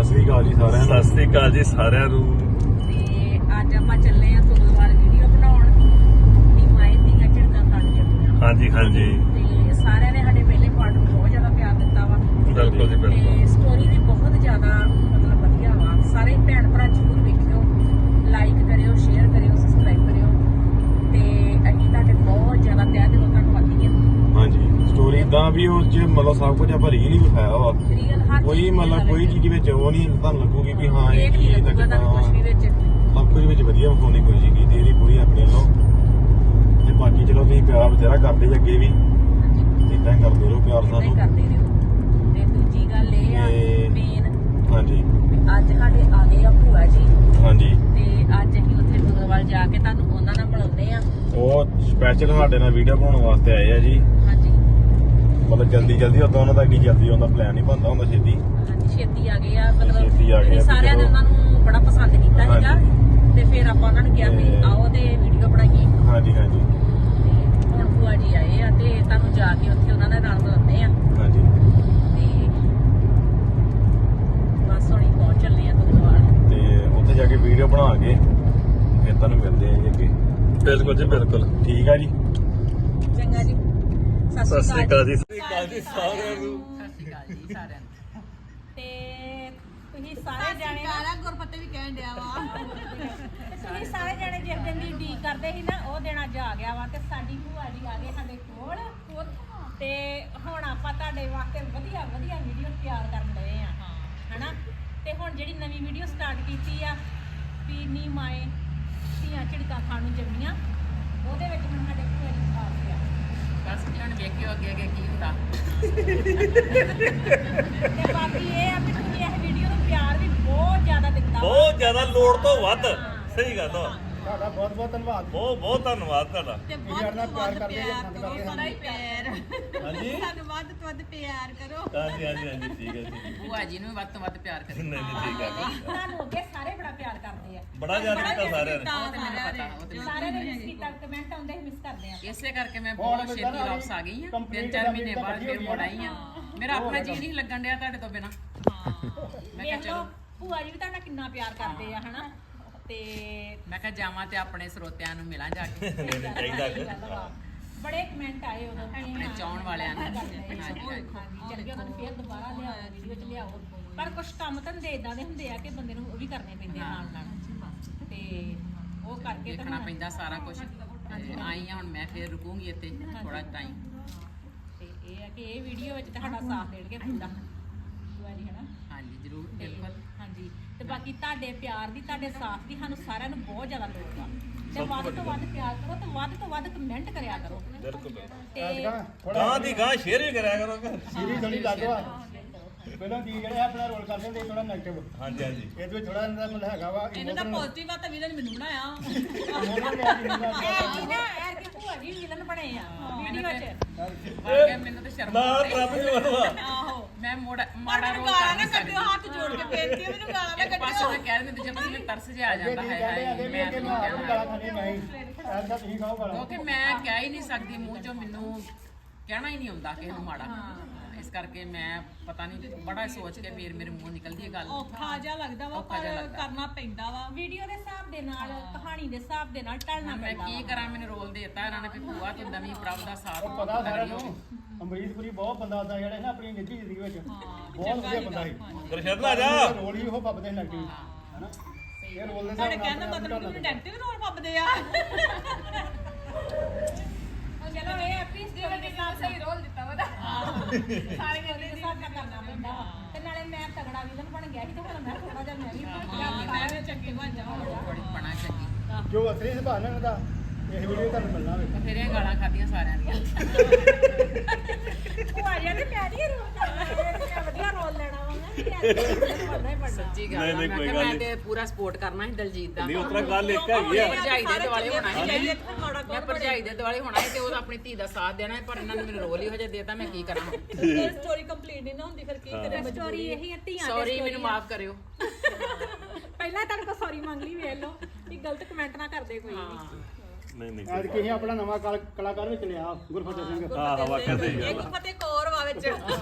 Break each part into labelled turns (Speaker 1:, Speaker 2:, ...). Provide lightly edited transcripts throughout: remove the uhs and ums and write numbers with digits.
Speaker 1: ਸ੍ਰੀ ਅਕਾਲ ਜੀ ਸਾਰਿਆਂ ਨੂੰ।
Speaker 2: ਸਤਿ ਸ੍ਰੀ ਅਕਾਲ ਜੀ ਸਾਰਿਆਂ ਨੂੰ।
Speaker 3: ਤੇ ਅੱਜ ਆਪਾਂ ਚੱਲੇ ਆ ਫੁੱਟਬਾਲ ਵੀਡੀਓ ਬਣਾਉਣ ਦੀ ਮਾਈ ਦੀਆਂ ਝੜਕਾਂ ਖਾਣ ਚੱਲੀਆਂ।
Speaker 2: ਹਾਂਜੀ ਹਾਂਜੀ
Speaker 3: ਤੇ ਸਾਰਿਆਂ ਨੇ ਸਾਡੇ ਪਹਿਲੇ ਪਾਰਟ ਨੂੰ ਬਹੁਤ ਜ਼ਿਆਦਾ ਪਿਆਰ ਦਿੱਤਾ ਵਾ।
Speaker 2: ਬਿਲਕੁਲ ਜੀ ਬਿਲਕੁਲ।
Speaker 3: ਤੇ ਸਟੋਰੀ ਵੀ ਬਹੁਤ ਜ਼ਿਆਦਾ ਮਤਲਬ ਵਧੀਆ ਵਾ। ਸਾਰੇ ਭੈਣ ਭਰਾ ਜ਼ਰੂਰ ਵੇਖਿਓ, ਲਾਈਕ ਕਰਿਓ, ਸ਼ੇਅਰ ਕਰਿਓ, ਸਬਸਕ੍ਰਾਈਬ ਕਰਿਓ ਤੇ ਅਸੀਂ ਤੁਹਾਡੇ ਬਹੁਤ ਜ਼ਿਆਦਾ ਤਹਿ ਦਿਲੋਂ ਧੰਨਵਾਦੀ ਹਾਂ।
Speaker 1: ਹਾਂਜੀ, ਸਟੋਰੀ ਇਦਾਂ ਵੀ ਉਸ 'ਚ ਮਤਲਬ ਸਭ ਕੁਝ ਆਪਾਂ ਰੀਅਲ ਹੀ ਵਿਖਾਇਆ ਵਾ।
Speaker 3: ਰੀਅਲ ਹਰ
Speaker 1: ਕੋਈ ਮਤਲਬ ਕੋਈ ਚੀਜ਼ ਵਿੱਚ ਉਹ ਨਹੀਂ ਤੁਹਾਨੂੰ ਲੱਗੂਗੀ ਵੀ ਹਾਂ ਇਹ
Speaker 3: ਇਹ
Speaker 1: ਚੀਜ਼
Speaker 3: ਨਹੀਂ
Speaker 1: ਤਾਂ
Speaker 3: ਲੱਗੂਗਾ ਤੁਹਾਨੂੰ ਕੁਝ ਵੀ ਵਿੱਚ।
Speaker 1: ਸਭ ਕੁਝ ਵਿੱਚ ਵਧੀਆ ਵਿਖਾਉਣੀ ਕੋਈ ਸੀਗੀ ਤੇ ਇਹਦੀ ਪੂਰੀ ਆਪਣੇ ਵੱਲੋਂ। ਤੇ ਬਾਕੀ ਚਲੋ ਤੁਸੀਂ ਪਿਆਰ ਬਥੇਰਾ ਕਰਦੇ ਜੀ ਅੱਗੇ ਵੀ, ਇਦਾਂ ਕਰਦੇ ਰਹੋ ਪਿਆਰ
Speaker 3: ਏਦਾਂ ਹੀ
Speaker 1: ਸਾਨੂੰ।
Speaker 3: ਕਰਦੇ ਰਹੋ। ਤੇ ਦੂਜੀ ਗੱਲ ਇਹ ਆ
Speaker 1: ਤੇ-
Speaker 3: ਮੇਨ
Speaker 1: ਹਾਂਜੀ
Speaker 3: ਅੱਜ ਸਾਡੇ ਆ ਗਏ ਆ ਭੂਆ ਜੀ
Speaker 1: ਹਾਂਜੀ,
Speaker 3: ਤੇ ਅੱਜ ਅਸੀਂ ਉੱਥੇ ਗੁਰਦੁਆਰੇ ਜਾ ਕੇ ਤੁਹਾਨੂੰ ਉਹਨਾਂ ਨਾਲ ਮਿਲਾਉਂਦੇ ਆ।
Speaker 1: ਉਹ ਸਪੈਸ਼ਲ ਸਾਡੇ ਨਾਲ ਵੀਡੀਓ ਬਣਾਉਣ ਵਾਸਤੇ ਆਏ ਆ ਜੀ।
Speaker 3: ਹਾਂਜੀ
Speaker 1: ਮਤਲਬ ਜਲਦੀ ਉਦੋਂ ਉਹਨਾਂ ਦਾ ਇੰਨੀ ਜਲਦੀ ਆਉਣ ਦਾ ਪਲਾਨ ਨਹੀਂ ਬਣਦਾ ਹੁੰਦਾ ਛੇਤੀ।
Speaker 3: ਹਾਂਜੀ ਛੇਤੀ ਆ ਗਏ ਆ। ਮਤਲਬ
Speaker 1: ਛੇਤੀ ਆ ਗਏ ਆ,
Speaker 3: ਅਸੀਂ ਸਾਰਿਆਂ ਨੇ
Speaker 1: ਚਲੋ।
Speaker 3: ਉਹਨਾਂ ਨੂੰ ਬੜਾ ਪਸੰਦ ਕੀਤਾ ਸੀਗਾ
Speaker 1: ਹਾਂਜੀ।
Speaker 3: ਤੇ ਫਿਰ ਆਪਾਂ ਉਹਨਾਂ ਨੂੰ ਕਿਹਾ ਵੀ
Speaker 1: ਤੇ-
Speaker 3: ਆਓ ਤੇ ਵੀਡੀਓ ਬਣਾਈਏ।
Speaker 1: ਹਾਂਜੀ ਹਾਂਜੀ
Speaker 3: ਤੇ ਹੁਣ ਭੂਆ ਜੀ ਆਏ ਆ ਤੇ ਤੁਹਾਨੂੰ ਜਾ ਕੇ ਉੱਥੇ ਉਹਨਾਂ ਦੇ ਨਾਲ ਮਿਲਾਉਂਦੇ ਆ।
Speaker 1: ਹਾਂਜੀ।
Speaker 3: ਤੇ ਬਸ ਹੁਣੀ ਪਹੁੰਚ ਚੱਲੇ ਆ ਗੁਰਦੁਆਰੇ।
Speaker 1: ਤੇ ਉੱਥੇ ਜਾ ਕੇ ਵੀਡੀਓ ਬਣਾ ਕੇ ਫਿਰ ਤੁਹਾਨੂੰ ਮਿਲਦੇ ਆ ਜੀ ਅੱਗੇ।
Speaker 2: ਬਿਲਕੁਲ ਜੀ ਬਿਲਕੁਲ।
Speaker 1: ਠੀਕ ਆ ਜੀ।
Speaker 3: ਚੰਗਾ ਜੀ,
Speaker 2: ਸਤਿ ਸ੍ਰੀ ਅਕਾਲ ਜੀ।
Speaker 3: ਸਤਿ ਸ਼੍ਰੀ ਅਕਾਲ ਜੀ ਸਾਰਿਆਂ ਨੂੰ। ਤੇ ਤੁਸੀਂ ਸਾਰੇ ਜਾਣੇ ਨਾ
Speaker 4: ਗੁਰਪਤੇ ਵੀ ਕਹਿਣ ਡਿਆ ਵਾ।
Speaker 3: ਤੁਸੀਂ ਸਾਰੇ ਜਾਣੇ ਜਿਸ ਦਿਨ ਦੀ ਉਡੀਕ ਕਰਦੇ ਸੀ ਨਾ ਉਹ ਦਿਨ ਅੱਜ ਆ ਗਿਆ ਵਾ। ਤੇ ਸਾਡੀ ਭੂਆ ਜੀ ਆ ਗਏ ਸਾਡੇ ਕੋਲ ਤੇ ਹੁਣ ਆਪਾਂ ਤੁਹਾਡੇ ਵਾਸਤੇ ਵਧੀਆ ਵੀਡੀਓ ਤਿਆਰ ਕਰਨ ਲਏ ਆ ਹਨਾ। ਤੇ ਹੁਣ ਜਿਹੜੀ ਨਵੀਂ ਵੀਡੀਓ ਸਟਾਰਟ ਕੀਤੀ ਆ ਵੀ ਨੀ ਮਾਏ ਧੀਆਂ ਝਿੜਕਾਂ ਖਾਣ ਨੂੰ ਜੰਮੀਆਂ, ਉਹਦੇ ਵਿੱਚ ਹੁਣ ਸਾਡੇ ਭੂਆ ਜੀ ਆ ਗਿਆ।
Speaker 4: ਬਸ ਹੁਣ ਵੇਖਿਓ ਅੱਗੇ ਕੀ ਹੁੰਦਾ।
Speaker 3: ਤੇ ਬਾਕੀ ਇਹ ਆ ਵੀ ਤੁਸੀਂ ਇਹ ਵੀਡੀਓ ਨੂੰ ਪਿਆਰ ਵੀ ਬਹੁਤ ਜ਼ਿਆਦਾ ਦਿੱਤਾ ਵਾ।
Speaker 2: ਬਹੁਤ ਜ਼ਿਆਦਾ ਲੋੜ ਤੋਂ ਵੱਧ। ਸਹੀ ਗੱਲ ਆ।
Speaker 1: ਤੁਹਾਡਾ ਬਹੁਤ ਬਹੁਤ ਧੰਨਵਾਦ।
Speaker 2: ਬਹੁਤ ਧੰਨਵਾਦ ਤੁਹਾਡਾ।
Speaker 4: ਤੇ
Speaker 1: ਸਾਡੇ ਨਾਲ ਪਿਆਰ ਕਰਦੇ ਜੀ,
Speaker 4: ਪਿਆਰ
Speaker 1: ਪਸੰਦ
Speaker 4: ਕਰੋ,
Speaker 1: ਕਰਦੇ
Speaker 4: ਸਾਡਾ ਹੀ ਪਿਆਰ।
Speaker 2: ਹਾਂਜੀ
Speaker 4: ਸਾਨੂੰ ਵੱਧ ਤੋਂ ਵੱਧ ਪਿਆਰ ਕਰੋ।
Speaker 2: ਹਾਂਜੀ ਹਾਂਜੀ ਠੀਕ ਹੈ ਜੀ।
Speaker 4: ਭੂਆ ਜੀ ਨੂੰ ਵੱਧ ਤੋਂ ਵੱਧ ਪਿਆਰ ਕਰੋ।
Speaker 2: ਨਹੀਂ ਠੀਕ ਹੈ।
Speaker 3: ਤੁਹਾਨੂੰ ਅੱਗੇ ਸਾਰੇ ਬੜਾ ਪਿਆਰ ਕਰਦੇ ਆ।
Speaker 2: ਬੜਾ ਜ਼ਿਆਦਾ ਕੀਤਾ ਸਾਰਿਆਂ ਨੇ।
Speaker 4: ਉਹ ਤੇ ਮੈਨੂੰ ਪਤਾ, ਉਹ ਤੇ
Speaker 3: ਸਾਰੇ ਨੇ ਮਿਸ ਕੀਤਾ, ਕਮੈਂਟ ਆਉਂਦੇ ਸੀ ਮਿਸ ਕਰਦੇ ਆ।
Speaker 4: ਇਸੇ ਕਰਕੇ ਮੈਂ ਬਹੁਤ ਛੇਤੀ ਵਾਪਸ ਆ ਗਈ ਆ। 3-4 ਮਹੀਨੇ ਬਾਅਦ ਫਿਰ ਮੁੜ ਆਈ ਆ। ਮੇਰਾ ਆਪਣਾ ਜੀ ਨਹੀਂ ਲੱਗਣ ਡਿਆ ਤੁਹਾਡੇ ਤੋਂ ਬਿਨਾ। ਮੈਂ ਕਿਹਾ
Speaker 3: ਵੇਖ ਲਓ
Speaker 4: ਚਲੋ
Speaker 3: ਭੂਆ ਜੀ ਵੀ ਤੁਹਾਡਾ ਕਿੰਨਾ ਪਿਆਰ ਕਰਦੇ ਆ ਹਨਾ। ਤੇ
Speaker 4: ਮੈਂ ਕਿਹਾ ਜਾਵਾਂ ਤੇ ਆਪਣੇ ਸਰੋਤਿਆਂ ਨੂੰ ਮਿਲਾਂ ਜਾ ਕੇ।
Speaker 2: ਚਾਹੀਦਾ ਕਿ
Speaker 3: ਬੜੇ ਕਮੈਂਟ ਆਏ ਉਦੋਂ
Speaker 4: ਆਪਣੇ ਚਾਹੁਣ ਵਾਲਿਆਂ ਨੂੰ।
Speaker 3: ਹਾਂਜੀ ਚੱਲ ਗਿਆ ਤੁਹਾਨੂੰ ਫੇਰ ਦੁਬਾਰਾ ਲਿਆਓ ਵੀਡੀਓ ਚ ਲਿਆਓ। ਪਰ ਕੁਝ ਕੰਮ ਧੰਦੇ ਇਦਾਂ ਦੇ ਹੁੰਦੇ ਆ ਕਿ ਬੰਦੇ ਨੂੰ ਉਹ ਵੀ ਕਰਨੇ ਪੈਂਦੇ ਆ ਨਾਲ ਤੇ ਉਹ ਕਰਕੇ ਤਾਂ
Speaker 4: ਦੇਖਣਾ ਪੈਂਦਾ ਸਾਰਾ ਕੁਝ। ਆਈ ਆ ਹੁਣ ਮੈਂ ਫਿਰ ਰੁਕੂੰਗੀ ਇੱਥੇ ਥੋੜਾ ਟਾਈਮ।
Speaker 3: ਤੇ ਇਹ ਆ ਕਿ ਇਹ ਵੀਡੀਓ ਵਿੱਚ ਤੁਹਾਡਾ ਸਾਥ ਦੇਣਗੇ ਪੂਰਾ ਭੂਆ ਜੀ ਹਨਾ।
Speaker 4: ਹਾਂਜੀ ਜ਼ਰੂਰ
Speaker 3: ਤੇ
Speaker 4: ਬਿਲਕੁਲ।
Speaker 3: ਹਾਂਜੀ ਤੇ ਬਾਕੀ ਤੁਹਾਡੇ ਪਿਆਰ ਦੀ, ਤੁਹਾਡੇ ਸਾਥ ਦੀ ਸਾਨੂੰ ਸਾਰਿਆਂ ਨੂੰ ਬਹੁਤ ਜ਼ਿਆਦਾ ਲੋੜ ਆ। ਤੇ ਵੱਧ ਤੋਂ ਵੱਧ ਪਿਆਰ ਕਰੋ ਤੇ ਵੱਧ ਤੋਂ ਵੱਧ ਕਮੈਂਟ ਕਰਿਆ ਕਰੋ।
Speaker 2: ਬਿਲਕੁਲ
Speaker 3: ਤੇ
Speaker 2: ਗਾਂ ਦੀ ਗਾਂ ਸ਼ੇਅਰ ਵੀ ਕਰਿਆ ਕਰੋ।
Speaker 1: ਸੀਰੀ ਥੋੜੀ ਲੱਗ ਵਾ। ਪਹਿਲਾਂ ਦੀ ਜਿਹੜੇ ਆਪਣਾ ਰੋਲ ਕਰਦੇ ਹੁੰਦੇ ਥੋੜਾ ਨੈਗੇਟਿਵ।
Speaker 2: ਹਾਂਜੀ ਹਾਂਜੀ
Speaker 1: ਇਹਦੇ ਵਿੱਚ ਥੋੜਾ ਇਹਨਾਂ ਦਾ ਮਤਲਬ ਹੈਗਾ ਵਾ
Speaker 4: ਇਹਨੂੰ ਤਾਂ ਪੋਜ਼ਿਟਿਵ ਆ ਤਾਂ ਵੀਰਨ ਮੈਨੂੰ ਬਣਾਇਆ।
Speaker 3: ਇਹ ਨਾ ਐਰ ਕਿ ਭੂਆ ਜੀ ਵਿਲਨ ਬਣੇ ਆ ਵੀਡੀਓ 'ਚ।
Speaker 4: ਮੈਨੂੰ ਤਾਂ ਸ਼ਰਮ
Speaker 2: ਨਾ
Speaker 4: ਆਉਂਦੀ।
Speaker 2: ਰੱਬ ਨੂੰ ਮਤਵਾ।
Speaker 4: ਆਹੋ ਮੈਂ ਮਾੜਾ ਰੋਲ ਕਰ ਨਹੀਂ ਸਕਦੀ। ਹੱਥ ਜੋੜ ਕੇ ਬੇਨਤੀ ਹੈ ਮੈਨੂੰ ਗਾਲਾਂ ਨਾ ਕੱਢਿਓ। ਪਾਸੇ ਮੈਂ ਕਹਿ ਦਿੰਦੀ ਜਦੋਂ ਮੈਨੂੰ ਤਰਸ ਜਿਹਾ ਆ ਜਾਂਦਾ ਹੈ ਹਾਏ ਮੈਂ ਤਾਂ ਨਹੀਂ ਕਹਿਣਾ। ਕਿਉਂਕਿ ਮੈਂ ਕਹਿ ਹੀ ਨਹੀਂ ਸਕਦੀ ਮੂੰਹ ਚੋਂ, ਮੈਨੂੰ ਕਹਿਣਾ ਹੀ ਨਹੀਂ ਆਉਂਦਾ ਕਿਸੇ ਨੂੰ ਮਾੜਾ। ਇਸ ਕਰਕੇ ਮੈਂ ਪਤਾ ਨਹੀਂ ਬੜਾ ਸੋਚ ਕੇ ਫਿਰ ਮੇਰੇ ਮੂੰਹ ਨਿਕਲਦੀ ਹੈ ਗੱਲ।
Speaker 5: ਔਖਾ ਜਿਹਾ ਲੱਗਦਾ ਵਾ ਪਰ ਕਰਨਾ ਪੈਂਦਾ ਵਾ।
Speaker 3: ਵੀਡੀਓ ਦੇ ਹਿਸਾਬ ਦੇ ਨਾਲ, ਕਹਾਣੀ ਦੇ ਹਿਸਾਬ ਦੇ ਨਾਲ ਢਲਣਾ
Speaker 4: ਮੈਂ
Speaker 3: ਪੈਂਦਾ
Speaker 4: ਕੀ ਕਰਾਂ, ਮੈਨੂੰ ਰੋਲ ਦੇਤਾ ਇਹਨਾਂ ਨੇ ਵੀ ਭੂਆ ਤੂੰ ਨਵੀਂ ਪ੍ਰਭ ਦਾ ਸਾਥ
Speaker 1: ਪਤਾ ਸਾਰਿਆਂ ਨੂੰ ਅਮਰੀਤਪੁਰੀ ਬਹੁਤ ਬੰਦਾ ਹੁੰਦਾ ਜਿਹੜਾ ਨਾ ਆਪਣੀ ਨਿੱਜੀ ਜ਼ਿੰਦਗੀ ਵਿੱਚ ਬਹੁਤ ਵਧੀਆ ਬੰਦਾ ਸੀ।
Speaker 2: ਗੁਰਸ਼ਰਨ ਆ ਜਾ।
Speaker 1: ਰੋਲ ਹੀ ਉਹ ਪੱਬਦੇ ਨੈਗੇਟਿਵ ਹੈਨਾ। ਇਹ ਰੋਲ ਦੇ
Speaker 5: ਸਾਡੇ ਕਹਿਣ ਦਾ ਮਤਲਬ ਕਿ ਨੈਗੇਟਿਵ ਰੋਲ ਪੱਬਦੇ ਆ।
Speaker 3: ਚਲੋ ਇਹ ਐਪੀਸ ਦੇ ਵਿੱਚ ਸਹੀ ਰੋਲ ਦਿੱਤਾ ਵਾ ਸਾਰੇ ਦੇ ਹਿਸਾਬ ਨਾਲ ਕਰਨਾ ਪੈਂਦਾ ਵਾ। ਤੇ ਨਾਲੇ ਮੈਂ ਤਗੜਾ ਵਿਲਨ ਬਣ ਗਿਆ ਸੀ ਤੇ ਹੁਣ ਮੈਂ ਥੋੜਾ ਜਿਹਾ ਮੈਂ ਵੀ
Speaker 5: ਮੈਂ ਵੀ ਚੰਗੀ ਬਣ ਜਾਵਾਂ।
Speaker 4: ਬੜੀ ਬਣਾ ਚੰਗੀ।
Speaker 1: ਜੋ ਅਸਲੀ ਸੁਭਾਅ ਨਾਲ ਦਾ ਇਹ ਵੀਡੀਓ ਤੁਹਾਨੂੰ ਮਿਲਣਾ ਵੇ।
Speaker 4: ਬਥੇਰੀਆਂ ਗਾਲਾਂ ਖਾਧੀਆਂ ਸਾਰਿਆਂ ਦੀਆਂ।
Speaker 3: ਭੂਆ ਜੀ ਤੇ ਪਿਆਰੀ ਰੋਲ ਕਰਨਾ, ਵਧੀਆ ਰੋਲ ਲੈਣਾ ਵਾ ਮੈਂ ਪੜਨਾ ਹੀ ਪੜਨਾ।
Speaker 4: ਸੱਚੀ ਗੱਲ ਆ। ਮੈਂ ਕਿਹਾ ਮੈਂ ਤੇ ਪੂਰਾ ਸਪੋਰਟ ਕਰਨਾ ਸੀ ਦਲਜੀਤ ਦਾ।
Speaker 2: ਨਹੀਂ ਉਤਰਾ ਗੱਲ ਇੱਕ ਹੈਗੀ ਆ।
Speaker 4: ਭਰਜਾਈ ਦੇ ਦੁਆਲੇ ਹੋਣਾ ਸੀ। ਮੈਂ ਭਰਜਾਈ ਦੇ ਦੁਆਲੇ ਹੋਣਾ ਸੀ ਤੇ ਉਹ ਆਪਣੀ ਧੀ ਦਾ ਸਾਥ ਦੇਣਾ ਸੀ, ਪਰ ਇਹਨਾਂ ਨੇ ਮੈਨੂੰ ਰੋਲ ਹੀ ਹੋ ਜਾ ਦੇਤਾ। ਮੈਂ ਕੀ ਕਰਾਂ?
Speaker 5: ਸਟੋਰੀ ਕੰਪਲੀਟ ਨਹੀਂ ਨਾ ਹੁੰਦੀ ਫਿਰ ਕੀ ਕਰੇ।
Speaker 3: ਸਟੋਰੀ ਇਹੀ ਹੈ ਧੀਆਂ
Speaker 4: ਸੌਰੀ ਮੈਨੂੰ ਮਾਫ ਕਰਿਓ।
Speaker 3: ਪਹਿਲਾਂ ਤੁਹਾਡੇ ਕੋਲ ਸੌਰੀ ਮੰਗ ਲਈ, ਵੇਖ ਲਓ ਕਿ ਗਲਤ ਕਮੈਂਟ ਨਾ ਕਰਦੇ ਕੋਈ ਵੀ।
Speaker 2: ਨਹੀਂ
Speaker 1: ਅੱਜ ਕਿਸੇ ਆਪਣਾ ਨਵਾਂ ਕਲਾਕਾਰ ਵਿੱਚ ਲਿਆ ਗੁਰਫਤਿਹ ਸਿੰਘ।
Speaker 2: ਆਹ ਵਾਕਿਆ ਸਹੀ ਗੱਲ
Speaker 5: ਇੱਕ ਫਤਿਹ ਕੌਰ ਵਾ ਵਿੱਚ।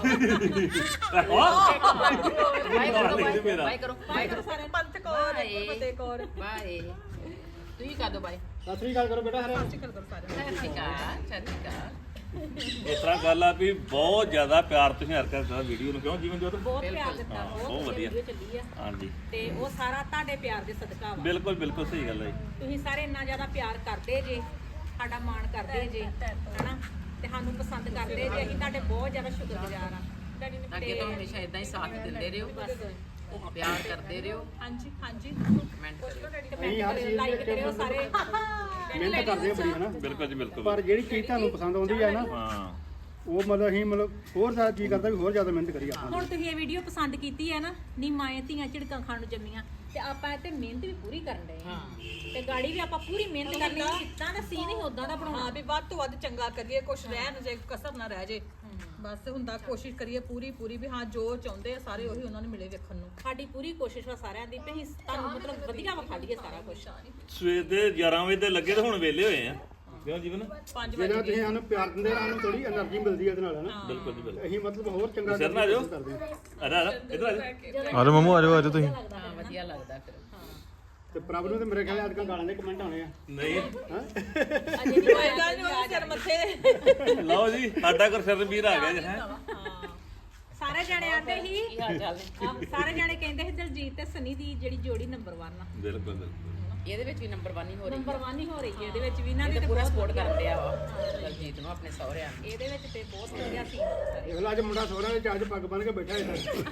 Speaker 4: ਬਾਈ ਕਰੋ
Speaker 5: ਸਾਰੇ ਪੰਥ ਕੌਰ ਫਤਿਹ ਕੌਰ
Speaker 4: ਬਾਏ ਤੁਸੀਂ ਕਰ ਦੋ ਬਾਈ
Speaker 6: ਸਤਿ ਸ੍ਰੀ ਅਕਾਲ ਕਰੋ ਬੇਟਾ ਹਰੇ
Speaker 5: ਚੱਕਰ ਕਰ ਸਾਰੇ
Speaker 4: ਸਤਿ ਸ਼੍ਰੀ ਅਕਾਲ
Speaker 2: ਇਸ ਤਰ੍ਹਾਂ ਗੱਲ ਆ ਵੀ ਬਹੁਤ ਜ਼ਿਆਦਾ ਪਿਆਰ ਤੁਸੀਂ ਹਰ ਕਰਦਾ ਵੀਡੀਓ ਨੂੰ ਕਿਉਂ ਜੀਵਨ ਜੋਤ
Speaker 3: ਬਹੁਤ ਪਿਆਰ ਦਿੱਤਾ ਬਹੁਤ
Speaker 2: ਵਧੀਆ।
Speaker 3: ਵਧੀਆ ਚੱਲੀ ਆ
Speaker 2: ਹਾਂਜੀ
Speaker 3: ਤੇ ਉਹ ਸਾਰਾ ਤੁਹਾਡੇ ਪਿਆਰ ਦੇ ਸਦਕਾ ਵਾ
Speaker 2: ਬਿਲਕੁਲ ਬਿਲਕੁਲ ਸਹੀ ਗੱਲ ਹੈ ਜੀ।
Speaker 3: ਤੁਸੀਂ ਸਾਰੇ ਇੰਨਾ ਜ਼ਿਆਦਾ ਪਿਆਰ ਕਰਦੇ ਜੇ ਸਾਡਾ ਮਾਣ ਕਰਦੇ ਜੇ ਹਨਾ ਤੇ ਸਾਨੂੰ ਪਸੰਦ ਕਰਦੇ ਜੇ ਅਸੀਂ ਤੁਹਾਡੇ ਬਹੁਤ ਜ਼ਿਆਦਾ ਸ਼ੁਕਰਗੁਜ਼ਾਰ ਆ
Speaker 4: ਅੱਗੇ ਤੋਂ ਹਮੇਸ਼ਾ ਇਦਾਂ ਹੀ ਸਾਥ ਦਿੰਦੇ ਰਹੋ ਪਿਆਰ ਕਰਦੇ ਰਹੋ
Speaker 5: ਹਾਂਜੀ ਹਾਂਜੀ
Speaker 4: ਕਮੈਂਟ ਕਰਿਓ
Speaker 6: ਅਸੀਂ ਹਰ ਚੀਜ਼
Speaker 3: ਲਾਈਕ
Speaker 6: ਦੇ
Speaker 3: ਕਰਿਓ ਸਾਰੇ
Speaker 6: ਮਿਹਨਤ ਕਰਦੇ ਆ ਬੜੀ ਹਨਾ
Speaker 2: ਬਿਲਕੁਲ ਜੀ ਬਿਲਕੁਲ
Speaker 6: ਪਰ ਜਿਹੜੀ ਚੀਜ਼ ਤੁਹਾਨੂੰ ਪਸੰਦ ਆਉਂਦੀ ਹੈ ਨਾ
Speaker 2: ਹਾਂ
Speaker 6: ਉਹ ਮਤਲਬ ਅਸੀਂ ਮਤਲਬ ਹੋਰ ਜ਼ਿਆਦਾ ਚੀਜ਼ ਕਰਦਾ ਵੀ ਹੋਰ ਜ਼ਿਆਦਾ ਮਿਹਨਤ ਕਰੀਏ ਆਪਾਂ
Speaker 3: ਹੁਣ ਤੁਸੀਂ ਇਹ ਵੀਡੀਓ ਪਸੰਦ ਕੀਤੀ ਹੈ ਨਾ ਨੀ ਮਾਏ ਧੀਆਂ ਝਿੜਕਾਂ ਖਾਣ ਨੂੰ ਜੰਮੀਆਂ ਤੇ ਆਪਾਂ ਇਹ ਤੇ ਮਿਹਨਤ ਵੀ ਪੂਰੀ ਕਰਨ ਡਏ ਹਾਂ ਤੇ ਗਾੜੀ ਵੀ ਆਪਾਂ ਪੂਰੀ ਮਿਹਨਤ ਕਰਨੀ ਜਿੱਦਾਂ ਦਾ ਸੀਨ ਹੀ ਉਦਾਂ ਦਾ ਬਣਾਉਣਾ
Speaker 5: ਹਾਂ ਵੀ ਵੱਧ ਤੋਂ ਵੱਧ ਚੰਗਾ ਕਰੀਏ ਕੁਛ ਰਹਿਣ ਜੇ ਕਸਰ ਨਾ ਰਹਿ ਜੇ ਬਸ ਹੁੰਦਾ ਕੋਸ਼ਿਸ਼ ਕਰੀਏ ਪੂਰੀ ਵੀ ਹਾਂ ਜੋ ਚਾਹੁੰਦੇ ਆ ਸਾਰੇ ਉਹੀ ਉਹਨਾਂ ਨੂੰ ਮਿਲੇ ਵੇਖਣ ਨੂੰ
Speaker 3: ਸਾਡੀ ਪੂਰੀ ਕੋਸ਼ਿਸ਼ ਵਾ ਸਾਰਿਆਂ ਦੀ ਵੀ ਅਸੀਂ ਤੁਹਾਨੂੰ ਮਤਲਬ ਵਧੀਆ ਵਿਖਾ ਦਈਏ ਸਾਰਾ ਕੁਝ
Speaker 2: ਸਵੇਰ ਦੇ 11 ਵਜੇ ਤੇ ਲੱਗੇ ਤੇ ਹੁਣ ਵਿਹਲੇ ਹੋਏ ਆ ਕਿਉਂ ਜੀਵਨ
Speaker 5: 5
Speaker 6: ਜਿਹੜਾ ਤੁਸੀਂ ਸਾਨੂੰ ਪਿਆਰ ਦਿੰਦੇ ਆ ਸਾਨੂੰ ਥੋੜੀ એનર્ਜੀ ਮਿਲਦੀ ਹੈ ਇਹਦੇ ਨਾਲ ਹਨਾ
Speaker 2: ਬਿਲਕੁਲ ਜੀ ਬਿਲਕੁਲ
Speaker 6: ਅਸੀਂ ਮਤਲਬ ਹੋਰ ਚੰਗਾ
Speaker 2: ਸਿਰ ਨਾ ਜਾਓ।
Speaker 6: ਕਰਦੇ ਹਾਂ
Speaker 2: ਆ ਜਾ ਇੱਧਰ ਆ ਜਾ
Speaker 1: ਆਜੋ ਮਮੂ ਆਜੋ ਆਜੋ ਤੁਸੀਂ
Speaker 4: ਹਾਂ ਵਧੀਆ ਲੱਗਦਾ ਫਿਰ
Speaker 6: ਤੇ ਪ੍ਰਭ ਨੂੰ ਤੇ ਮੇਰੇ ਖਿਆਲ ਅੱਜ ਕੱਲ੍ਹ ਗਾਲਾਂ ਦੇ ਕਮੈਂਟ ਆਉਣੇ ਆ
Speaker 2: ਨਹੀਂ
Speaker 3: ਅਜੇ ਨਹੀਂ
Speaker 5: ਕੋਈ ਗੱਲ ਨਹੀਂ ਉਹ ਸਿਰ ਮੱਥੇ
Speaker 2: ਲਓ ਜੀ ਸਾਡਾ ਗੁਰਸਰ ਵੀਰ ਆ ਗਿਆ ਜੀ ਹੈ
Speaker 3: ਸਾਰੇ ਜਾਣੇ ਆਂਦੇ ਸੀ
Speaker 4: ਕੀ ਹਾਲ ਚਾਲ ਨੇ
Speaker 3: ਸਾਰੇ ਜਾਣੇ ਕਹਿੰਦੇ ਸੀ ਦਲਜੀਤ ਤੇ ਸਨੀ ਦੀ ਜਿਹੜੀ ਜੋੜੀ ਨੰਬਰ 1 ਆ
Speaker 2: ਬਿਲਕੁਲ ਬਿਲਕੁਲ
Speaker 4: ਇਹਦੇ ਵਿੱਚ ਵੀ ਨੰਬਰ 1 ਹੀ ਹੋ ਰਹੀ
Speaker 3: ਨੰਬਰ 1 ਹੀ ਹੋ ਰਹੀ ਹੈ ਇਹਦੇ ਵਿੱਚ ਵੀ ਇਹਨਾਂ ਦੀ
Speaker 4: ਹੈ
Speaker 3: ਤੇ
Speaker 4: ਪੂਰਾ
Speaker 3: ਬਹੁਤ
Speaker 4: ਸਪੋਰਟ ਕਰਦੇ ਆ ਵਾ ਦਲਜੀਤ ਨੂੰ ਆਪਣੇ ਸਹੁਰਿਆਂ ਨੂੰ
Speaker 3: ਇਹਦੇ ਵਿੱਚ ਤੇ ਬਹੁਤ ਵਧੀਆ ਸੀ
Speaker 6: ਇਹ ਲਾ ਅੱਜ ਮੁੰਡਾ ਸੋਹਣਾ ਵਿੱਚ ਅੱਜ ਪੱਗ ਬੰਨ ਕੇ ਬੈਠਾ ਹੈ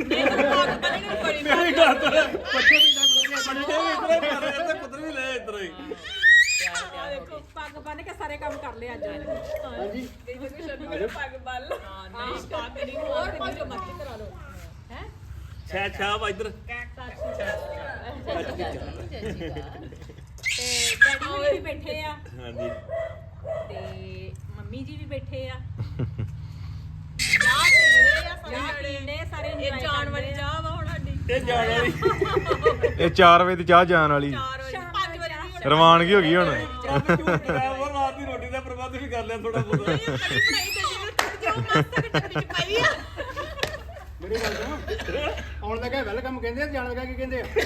Speaker 2: ਮੇਰੀ ਗੱਲ ਤਾਂ ਪੱਛੇ ਵੀ ਲੱਗ ਬਣੇ ਤੇ ਪੁੱਤਰ ਵੀ ਲੈ ਇੱਧਰ ਹੀ
Speaker 3: ਦੇਖੋ ਪੱਗ ਬੰਨ ਕੇ ਸਾਰੇ ਕੰਮ ਕਰ ਲਏ ਅੱਜ
Speaker 6: ਹਾਂਜੀ
Speaker 5: ਪੱਗ ਬੱਲ ਨਹੀਂ ਪੱਗ ਨਹੀਂ ਹੋਰ ਕੋਈ ਜੋ ਮਰਜ਼ੀ ਕਰਾ ਲਓ
Speaker 3: ਹੈ
Speaker 2: ਛਾ ਛਾ ਵਾ ਇੱਧਰ
Speaker 3: ਤੇ ਡੈਡੀ ਹੋਣੀ ਵੀ ਬੈਠੇ ਆ
Speaker 2: ਹਾਂਜੀ
Speaker 3: ਤੇ ਮੰਮੀ ਜੀ ਵੀ ਬੈਠੇ ਆ
Speaker 5: ਚਾਹ ਪੀਣੇ ਆ ਸਾਰੇ
Speaker 3: ਚਾਹ
Speaker 5: ਜਣੇ
Speaker 3: ਪੀਂਦੇ ਸਾਰੇ
Speaker 5: ਇਹ
Speaker 3: enjoy
Speaker 5: ਜਾਣ ਵਾਲੀ
Speaker 3: ਕਰਦੇ ਆ।
Speaker 5: ਚਾਹ ਵਾ ਹੁਣ ਸਾਡੀ
Speaker 2: ਇਹ ਜਾਣ ਵਾਲੀ
Speaker 1: ਇਹ 4 ਵਜੇ ਦੀ ਚਾਹ ਜਾਣ ਵਾਲੀ
Speaker 5: 4 ਵਜੇ 5 ਵਜੇ ਦੀ ਹੁਣ
Speaker 1: ਰਵਾਨਗੀ ਹੋ ਗਈ ਹੁਣ
Speaker 2: ਚੱਲ ਝੂਠ ਕਰਾਇਆ ਉਹ ਰਾਤ ਦੀ ਰੋਟੀ ਦਾ ਪ੍ਰਬੰਧ ਵੀ ਕਰ ਲਿਆ ਥੋੜਾ ਬਹੁਤਾ
Speaker 5: ਕੜੀ ਬਣਾਈ ਤੇ ਜਿਹਨੂੰ ਜੋ ਮਾਸਾ ਟੱਕਰੀ ਚ ਪਾਈ ਆ
Speaker 6: ਮੇਰੀ ਗੱਲ ਸੁਣੋ ਆਉਣ ਲੱਗਾ ਵੈਲਕਮ ਕਹਿੰਦੇ ਆ ਜਾਣ ਲੱਗਾ ਕੀ ਕਹਿੰਦੇ ਆ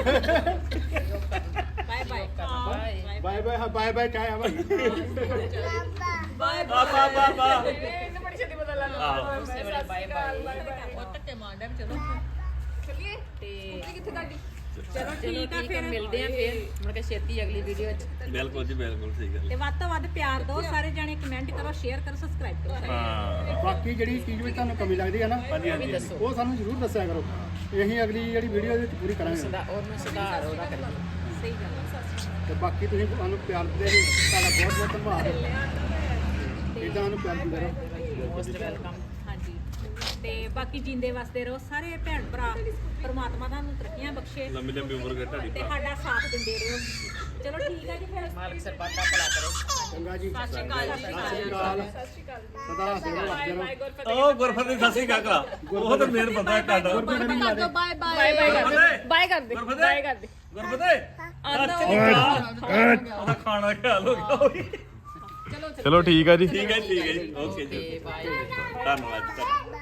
Speaker 3: bye bye
Speaker 6: bye bye bye bye ਚਾਹ ਆਵਾ
Speaker 5: ਬਾਏ
Speaker 2: ਆ ਬਾ ਬਾ ਬਾ
Speaker 5: ਇਹਨੂੰ ਬੜੀ ਛੇਤੀ ਪਤਾ ਲੱਗ
Speaker 2: ਆਹੋ
Speaker 4: ਉਸੇ ਵੇਲੇ ਬਾਏ ਬਾਏ
Speaker 5: ਉਹ ਧੱਕੇ ਮਾਰਦਾ ਚਲੋ ਚੱਲੀਏ
Speaker 3: ਤੇ
Speaker 5: ਕਿੱਥੇ ਗੱਡੀ
Speaker 3: ਚਲੋ ਠੀਕ ਆ
Speaker 4: ਠੀਕ
Speaker 3: ਫਿਰ
Speaker 4: ਹੈ ਮਿਲਦੇ ਆ ਫਿਰ ਮੁੜ ਕੇ ਛੇਤੀ ਅਗਲੀ ਵੀਡੀਓ 'ਚ
Speaker 2: ਬਿਲਕੁਲ ਜੀ ਬਿਲਕੁਲ ਸਹੀ ਗੱਲ
Speaker 3: ਤੇ ਵੱਧ ਤੋਂ ਵੱਧ ਪਿਆਰ ਦਿਓ ਸਾਰੇ ਜਾਣੇ ਕਮੈਂਟ ਕਰੋ ਸ਼ੇਅਰ ਕਰੋ ਸਬਸਕ੍ਰਾਈਬ ਕਰੋ
Speaker 2: ਹਾਂ
Speaker 6: ਬਾਕੀ ਜਿਹੜੀ ਚੀਜ਼ ਵਿੱਚ ਤੁਹਾਨੂੰ ਕਮੀ ਲੱਗਦੀ ਹੈ ਨਾ
Speaker 2: ਹਾਂਜੀ
Speaker 4: ਉਹ ਵੀ
Speaker 2: ਹਾਂਜੀ
Speaker 4: ਦੱਸੋ
Speaker 6: ਉਹ ਸਾਨੂੰ ਜ਼ਰੂਰ ਦੱਸਿਆ ਕਰੋ ਅਸੀਂ ਅਗਲੀ ਜਿਹੜੀ ਵੀਡੀਓ ਦੇ ਵਿੱਚ ਪੂਰੀ ਕਰਾਂਗੇ
Speaker 4: ਉਹਨੂੰ ਸੁਧਾਰ ਉਹਦਾ ਕਰੀਏ
Speaker 3: ਸਹੀ ਗੱਲ ਹੈ
Speaker 6: ਤੇ ਬਾਕੀ ਤੁਸੀਂ ਸਾਨੂੰ ਪਿਆਰ ਦਿੰਦੇ ਰਹੋ ਤੁਹਾਡਾ ਬਹੁਤ ਬਹੁਤ ਧੰਨਵਾਦ ਇਦਾਂ ਸਾਨੂੰ ਪਿਆਰ ਦਿੰਦੇ ਰਹੋ
Speaker 4: ਮੋਸਟ ਵੈਲਕਮ
Speaker 3: ਹਾਂਜੀ ਤੇ ਬਾਕੀ ਜਿੰਦੇ ਵਸਦੇ ਰਹੋ ਸਾਰੇ ਭੈਣ ਭਰਾ ਪਰਮਾਤਮਾ ਤੁਹਾਨੂੰ ਤਰੱਕੀਆਂ ਬਖਸ਼ੇ
Speaker 2: ਲੰਮੀ ਲੰਮੀ ਉਮਰ ਕਰ ਤੁਹਾਡੀ
Speaker 3: ਤੇ ਸਾਡਾ ਸਾਥ ਦਿੰਦੇ ਰਹੋ ਚਲੋ ਠੀਕ ਹੈ ਜੀ ਫਿਰ
Speaker 4: ਮਾਲਕ ਸਰਬੱਤ ਦਾ ਭਲਾ ਕਰੇ
Speaker 6: ਚੰਗਾ ਜੀ
Speaker 5: ਸਤਿ ਸ਼੍ਰੀ ਅਕਾਲ ਜੀ
Speaker 6: ਸਤਿ ਸ਼੍ਰੀ ਅਕਾਲ ਸਦਾ ਹੱਸਦੇ ਰਹੋ ਹੱਸਦੇ ਰਹੋ
Speaker 2: ਉਹ ਗੁਰਫਤ ਦੀ ਸੱਸੀ ਕਾਕਾ ਉਹ ਤਾਂ ਮੇਰ ਬੰਦਾ ਕਾਡਾ
Speaker 6: ਗੁਰਪ੍ਰੀਤ ਨਹੀਂ ਲਾਦੇ
Speaker 5: ਬਾਏ ਬਾਏ
Speaker 2: ਬਾਏ ਕਰ ਦੇ ਬਾਏ ਕਰ ਦੇ ਗੁਰਫਤ ਉਹਦਾ ਖਾਣਾ ਖਿਆਲ ਹੋ ਗਿਆ
Speaker 1: ਚਲੋ ਠੀਕ ਆ ਜੀ
Speaker 2: ਠੀਕ ਹੈ ਜੀ ਓਕੇ ਜੀ
Speaker 4: ਤੇ ਬਾਏ
Speaker 2: ਧੰਨਵਾਦ ਜੀ